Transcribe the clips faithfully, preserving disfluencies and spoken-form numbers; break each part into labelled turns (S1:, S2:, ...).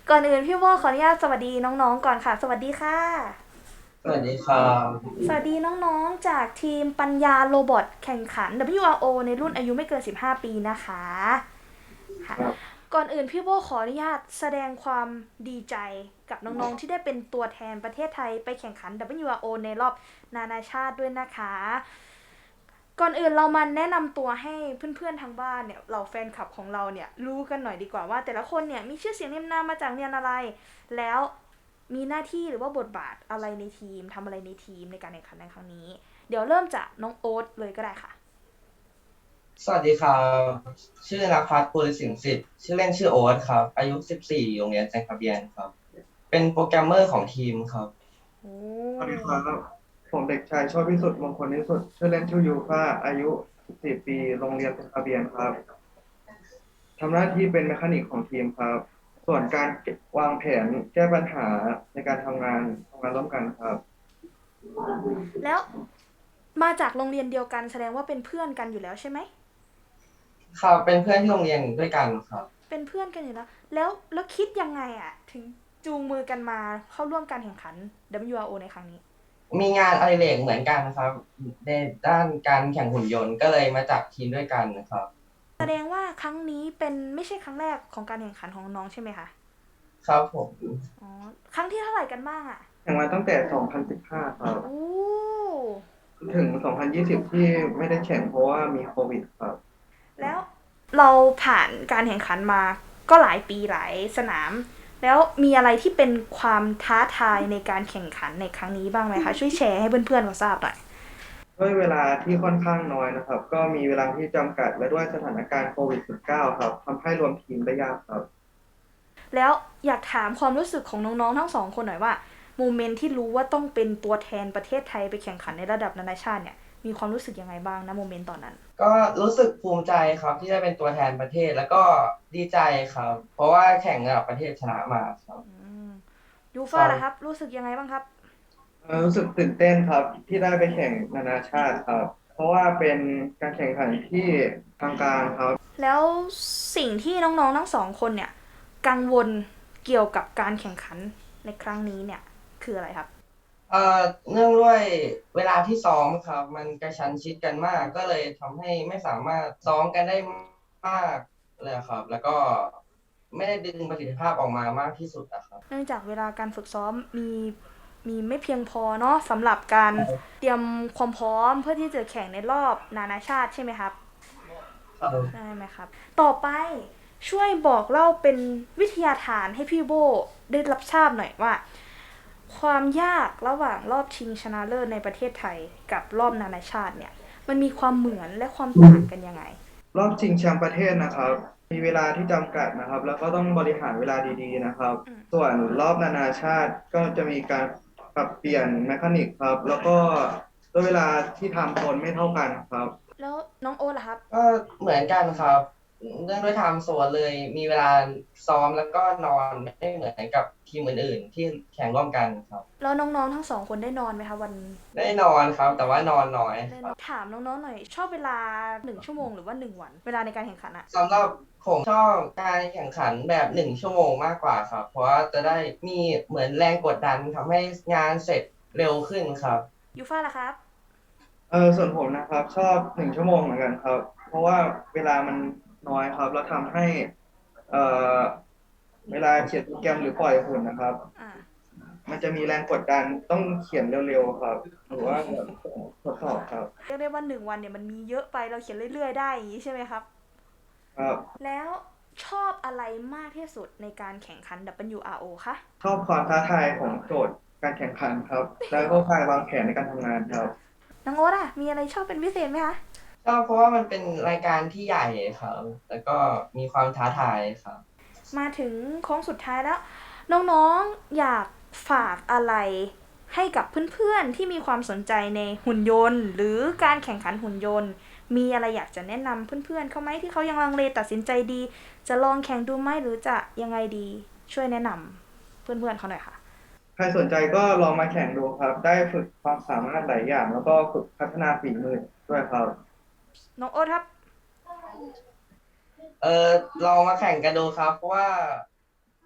S1: ก่อนอื่นพี่โบขออนุญาตสวัสดีน้องๆก่อนค่ะสวัสดีค่ะ
S2: สวัสดีครับ
S1: สวัสดีน้องๆจากทีมปัญญาโรบอทแข่งขัน ดับเบิลยู อาร์ โอ ในรุ่นอายุไม่เกินสิบห้าปีนะคะค่ะ
S2: ครับ
S1: ก่อนอื่นพี่โบขออนุญาตแสดงความดีใจกับน้องๆที่ได้เป็นตัวแทนประเทศไทยไปแข่งขัน ดับเบิลยู อาร์ โอ ในรอบนานาชาติด้วยนะคะก่อนอื่นเรามาแนะนำตัวให้เพื่อนๆทางบ้านเนี่ยเราแฟนคลับของเราเนี่ยรู้กันหน่อยดีกว่าว่าแต่ละคนเนี่ยมีชื่อเสียงเรียงนามมาจากเรียนอะไรแล้วมีหน้าที่หรือว่าบทบาทอะไรในทีมทำอะไรในทีมในการแข่งขันในครั้งนี้เดี๋ยวเริ่มจากน้องโอ๊ตเลยก็ได้ค่ะ
S2: สวัสดีครับชื่อนภัสปุริสิงห์สิทธิ์ชื่อเล่นชื่อโอ๊ตครับอายุสิบสี่โรงเรียนแซงคาเบียนครับเป็นโปรแกรมเมอร์ของทีมครับ
S1: โอ้
S3: สวัสดีครับผมเด็กชายโชติวิสุทธิ์มงคลนิสุทธิ์ชื่อเล่นชื่อยูฟ่าอายุสิบสี่ปีโรงเรียนเป็นทะเบียนครับทำหน้าที่เป็นแมคานิกของทีมครับส่วนการวางแผนแก้ปัญหาในการทำงานทำงานร่วมกันครับ
S1: แล้วมาจากโรงเรียนเดียวกันแสดงว่าเป็นเพื่อนกันอยู่แล้วใช่ไหม
S2: ครับเป็นเพื่อนที่โรงเรียนด้วยกันครับ
S1: เป็นเพื่อนกันอยู่แล้วแล้วแล้วคิดยังไงอะถึงจูงมือกันมาเข้าร่วมการแข่งขัน ดับเบิลยู อาร์ โอ ในครั้งนี้
S2: มีงานอดิเรกเหมือนกันครับในด้านการแข่งหุ่นยนต์ก็เลยมาจับทีมด้วยกันนะครับ
S1: แสดงว่าครั้งนี้เป็นไม่ใช่ครั้งแรกของการแข่งขันของน้องใช่ไหมคะ
S2: ครับผม
S1: อ๋อครั้งที่เท่าไหร่กันบ้างอะ
S3: แข่งมาตั้งแต่ สองพันสิบห้า ครับ
S1: โอ้
S3: ถึง สองพันยี่สิบ ที่ไม่ได้แข่งเพราะว่ามีโควิดครับ
S1: แล้วเราผ่านการแข่งขันมาก็หลายปีหลายสนามแล้วมีอะไรที่เป็นความท้าทายในการแข่งขันในครั้งนี้บ้างไหมคะช่วยแชร์ให้เพื่อนๆเราทราบหน่อย
S3: ด้วยเวลาที่ค่อนข้างน้อยนะครับก็มีเวลาที่จำกัดและด้วยสถานการณ์โควิด สิบเก้า ครับทำให้รวมทีมได้ยากครับ
S1: แล้วอยากถามความรู้สึกของน้องๆทั้งสองคนหน่อยว่าโมเมนต์ที่รู้ว่าต้องเป็นตัวแทนประเทศไทยไปแข่งขันในระดับนานาชาติเนี่ยมีความรู้สึกยังไงบ้างนะโมเมนต์ตอนนั้น
S2: ก็รู้สึกภูมิใจครับที่ได้เป็นตัวแทนประเทศแล้วก็ดีใจครับเพราะว่าแข่งระดับประเทศชนะมาครับ
S1: ยูฟ่าล่ะครับ
S2: ครับ
S1: รู้สึกยังไงบ้างครับ
S3: เอ่อรู้สึกตื่นเต้นครับที่ได้ไปแข่งนานาชาติครับเพราะว่าเป็นการแข่งขันที่ทางการครับ
S1: แล้วสิ่งที่น้องๆทั้งสองคนเนี่ยกังวลเกี่ยวกับการแข่งขันในครั้งนี้เนี่ยคืออะไรครับ
S2: เอ่อเนื่องด้วยเวลาที่ซ้อมครับมันกระชั้นชิดกันมากก็เลยทำให้ไม่สามารถซ้อมกันได้มากเลยครับแล้วก็ไม่ได้ดึงประสิทธิภาพออกมามากที่สุดนะครับ
S1: เนื่องจากเวลาการฝึกซ้อมมีมีไม่เพียงพอเนาะสำหรับการเตรียมความพร้อมเพื่อที่จะแข่งในรอบนานาชาติใช่ไหมครับใช่ไหมครับต่อไปช่วยบอกเล่าเป็นวิทยาทานให้พี่โบได้รับทราบหน่อยว่าความยากระหว่างรอบชิงชนะเลิศในประเทศไทยกับรอบนานาชาติเนี่ยมันมีความเหมือนและความต่างกันยังไง
S3: รอบชิงแชมป์ประเทศนะครับมีเวลาที่จำกัดนะครับแล้วก็ต้องบริหารเวลาดีๆนะครับส่วนรอบนานาชาติก็จะมีการปรับเปลี่ยนแมคานิกครับแล้วก็ด้วยเวลาที่ทำโซนไม่เท่ากันครับ
S1: แล้วน้องโอ๊ตล่ะครับ
S2: ก็เหมือนกันครับเนื่องด้วยไทม์โซนเลยมีเวลาซ้อมแล้วก็นอนไม่เหมือนกับทีมอื่นๆที่แข่งร่วมกันครับ
S1: แล้วน้องๆทั้งสองคนได้นอนไหมคะวัน
S2: ได้นอนครับแต่ว่านอนน้อย
S1: ได้
S2: ครับ
S1: นอนถามน้องๆหน่อยชอบเวลาหนึ่งชั่วโมงหรือว่าหนึ่งวันเวลาในการแข่งขันอะ
S2: สำหรับผมชอบการแข่งขันแบบหนึ่งชั่วโมงมากกว่าครับเพราะว่าจะได้มีเหมือนแรงกดดันทำให้งานเสร็จเร็วขึ้นครับ
S1: ยูฟ่าล่ะครับ
S3: เออส่วนผมนะครับชอบหนึ่งชั่วโมงเหมือนกันครับเพราะว่าเวลามันน้อยครับแล้วทำให้เอ่อเวลาเขียนโปรแกรมหรือปล่อยหุ่นนะครับ
S1: อ่า
S3: มันจะมีแรงกดดันต้องเขียนเร็วๆครับหรือว่าแบบทดสอบครับ
S1: เรียกได้ว่าหนึ่งวันเนี่ยมันมีเยอะไปเราเขียนเรื่อยๆได้อย่างนี้ใช่ไหมครับ
S3: ครับ
S1: แล้วชอบอะไรมากที่สุดในการแข่งขัน ดับเบิลยู อาร์ โอ คะ
S3: ชอบความท้าทายของโจทย์การแข่งขันครับแล้วก็การวางแผนในการทำงานครับ
S1: น้องโอ๊ตอะมีอะไรชอบเป็นพิเศษไหมคะ
S2: ชอบเพราะว่ามันเป็นรายการที่ใหญ่ครับแล้วก็มีความท้าทายครับ
S1: มาถึงโค้งสุดท้ายแล้วน้องๆอยากฝากอะไรให้กับเพื่อนๆที่มีความสนใจในหุ่นยนต์หรือการแข่งขันหุ่นยนต์มีอะไรอยากจะแนะนำเพื่อนๆเขาไหมที่เขายังลังเลตัดสินใจดีจะลองแข่งดูไหมหรือจะยังไงดีช่วยแนะนำเพื่อนๆเขาหน่อยค่ะ
S3: ใครสนใจก็ลองมาแข่งดูครับได้ฝึกความสามารถหลายอย่างแล้วก็ฝึกพัฒนาฝีมือด้วยครับ
S1: น้องโอ๊ตครับ
S2: เออลองมาแข่งกันดูครับเพราะว่ามี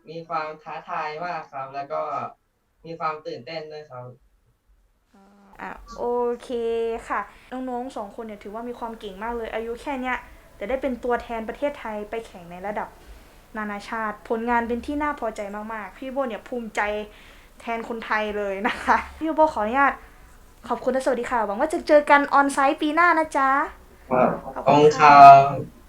S2: มีความท้าทายมากครับ แล้วก็มีความตื่นเต้นด้วยครับ
S1: อ่ะโอเคค่ะ น้องๆสองคนเนี่ยถือว่ามีความเก่งมากเลย อายุแค่เนี้ยแต่ได้เป็นตัวแทนประเทศไทยไปแข่งในระดับนานาชาติ ผลงานเป็นที่น่าพอใจมากๆ พี่โบเนี่ยภูมิใจแทนคนไทยเลยนะคะ พี่โบขออนุญาตขอบคุณและสวัสดีค่ะ หวังว่าจะเจอกันออนไซต์ปีหน้านะจ๊ะ
S3: ครับ
S1: ขอบ
S2: ขอบ
S1: คุ
S2: คุณ ณค
S1: ค่ะ
S2: รับ